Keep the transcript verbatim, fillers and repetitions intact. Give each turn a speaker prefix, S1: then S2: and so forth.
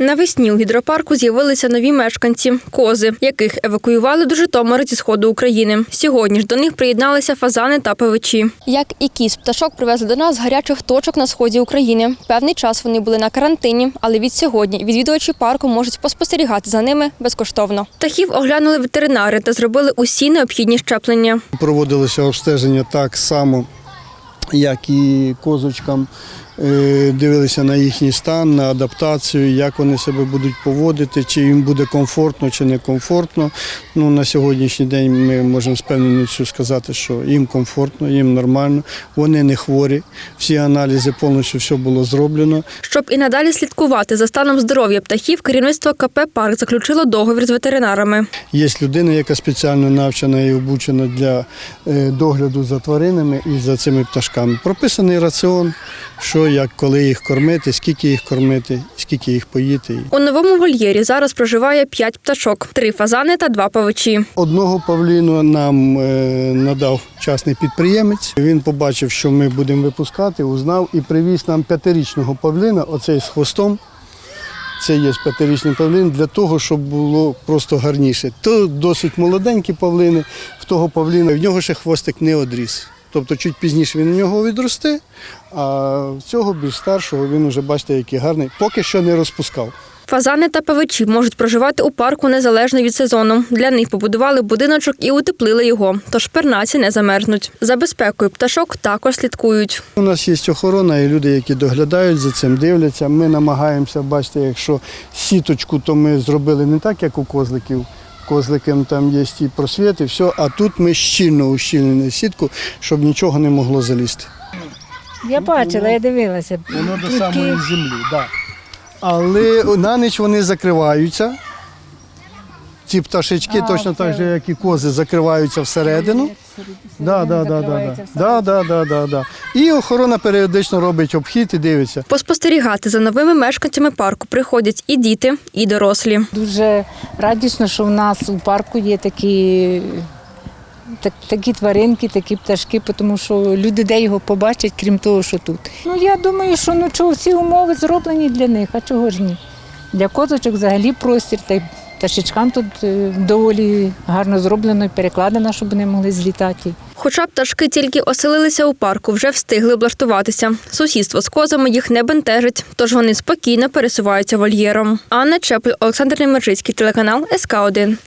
S1: Навесні у гідропарку з'явилися нові мешканці – кози, яких евакуювали до Житомира зі сходу України. Сьогодні ж до них приєдналися фазани та павичі. Як і кіз, пташок привезли до нас з гарячих точок на сході України. Певний час вони були на карантині, але від сьогодні відвідувачі парку можуть поспостерігати за ними безкоштовно. Птахів оглянули ветеринари та зробили усі необхідні щеплення.
S2: Проводилося обстеження так само, як і козочкам. Дивилися на їхній стан, на адаптацію, як вони себе будуть поводити, чи їм буде комфортно, чи не комфортно. Ну, на сьогоднішній день ми можемо з певністю сказати, що їм комфортно, їм нормально, вони не хворі, всі аналізи, повністю все було зроблено.
S1: Щоб і надалі слідкувати за станом здоров'я птахів, керівництво ка пе «Парк» заключило договір з ветеринарами.
S2: Є людина, яка спеціально навчена і обучена для догляду за тваринами і за цими пташками. Прописаний раціон, що, як, коли їх кормити, скільки їх кормити, скільки їх поїти.
S1: У новому вольєрі зараз проживає п'ять пташок – три фазани та два павичі.
S2: Одного павліну нам надав частний підприємець. Він побачив, що ми будемо випускати, узнав і привіз нам п'ятирічного павліна, оцей з хвостом. Це є п'ятирічний павлін для того, щоб було просто гарніше. То досить молоденькі павлини, в того павліна, в нього ще хвостик не одріс. Тобто чуть пізніше він у нього відросте, а в цього більш старшого він вже, бачите, який гарний, поки що не розпускав.
S1: Фазани та павичі можуть проживати у парку незалежно від сезону. Для них побудували будиночок і утеплили його, тож пернаці не замерзнуть. За безпекою пташок також слідкують.
S2: У нас є охорона і люди, які доглядають за цим, дивляться. Ми намагаємося, бачите, якщо сіточку, то ми зробили не так, як у козликів. Козликам там є і просвіт, і все, а тут ми щільно ущільнили сітку, щоб нічого не могло залізти.
S3: Я бачила, я дивилася.
S2: Воно до самої землі, так. Да. Але на ніч вони закриваються. Ці пташечки, а, точно так же, як і кози, закриваються всередину. Да, да, да, да, да. Да, да, да, да. І охорона періодично робить обхід і дивиться.
S1: Поспостерігати за новими мешканцями парку приходять і діти, і дорослі.
S3: Дуже радісно, що в нас у парку є такі, так, такі тваринки, такі пташки, тому що люди де його побачать, крім того, що тут. Ну, я думаю, що ну, чого, всі умови зроблені для них, а чого ж ні? Для козочок взагалі простір, та й пташечкам тут доволі гарно зроблено і перекладено, щоб вони могли злітати.
S1: Хоча пташки тільки оселилися у парку, вже встигли облаштуватися. Сусідство з козами їх не бентежить, тож вони спокійно пересуваються вольєром. Анна Чепль, Олександр Немержицький, телеканал ес ка один.